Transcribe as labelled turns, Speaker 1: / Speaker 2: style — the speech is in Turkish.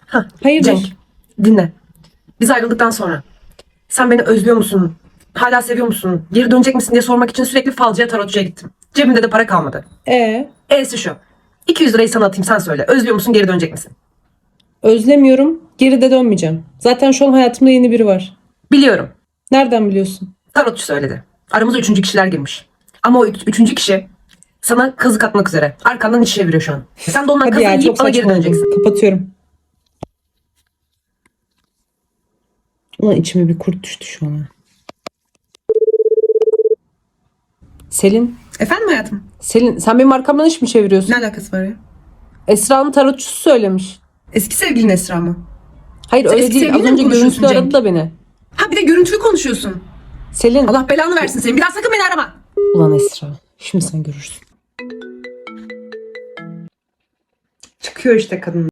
Speaker 1: Hayırdır?
Speaker 2: Cenk, dinle. Biz ayrıldıktan sonra sen beni özlüyor musun? Hala seviyor musun? Geri dönecek misin diye sormak için sürekli falcıya, tarotçuya gittim. Cebimde de para kalmadı. E'si şu. 200 lirayı sana atayım, sen söyle. Özlüyor musun, geri dönecek misin?
Speaker 1: Özlemiyorum. Geri de dönmeyeceğim. Zaten şu an hayatımda yeni biri var.
Speaker 2: Biliyorum.
Speaker 1: Nereden biliyorsun?
Speaker 2: Tarotçu söyledi. Aramıza üçüncü kişiler girmiş. Ama o üçüncü kişi sana kazık atmak üzere. Arkandan iş çeviriyor şu an. Sen de ondan
Speaker 1: Hadi
Speaker 2: kazığı
Speaker 1: ya,
Speaker 2: yiyip
Speaker 1: çok
Speaker 2: bana geri
Speaker 1: saçmaladım.
Speaker 2: döneceksin.
Speaker 1: Kapatıyorum. Ulan içime bir kurt düştü şu an. Selin.
Speaker 2: Efendim hayatım?
Speaker 1: Selin, sen benim arkamdan iş mi çeviriyorsun?
Speaker 2: Ne alakası var ya?
Speaker 1: Esra'nın tarotçusu söylemiş.
Speaker 2: Eski sevgilin Esra mı?
Speaker 1: Hayır
Speaker 2: Sen
Speaker 1: öyle
Speaker 2: eski
Speaker 1: değil. Az
Speaker 2: sevgilinle mi
Speaker 1: önce
Speaker 2: konuşuyorsun
Speaker 1: görüntülü aradı
Speaker 2: Cenk?
Speaker 1: da beni.
Speaker 2: Ha bir de görüntülü konuşuyorsun.
Speaker 1: Selin.
Speaker 2: Allah belanı versin senin. Bir daha sakın beni arama.
Speaker 1: Ulan Esra. Şimdi sen görürsün.
Speaker 2: Çıkıyor işte kadın.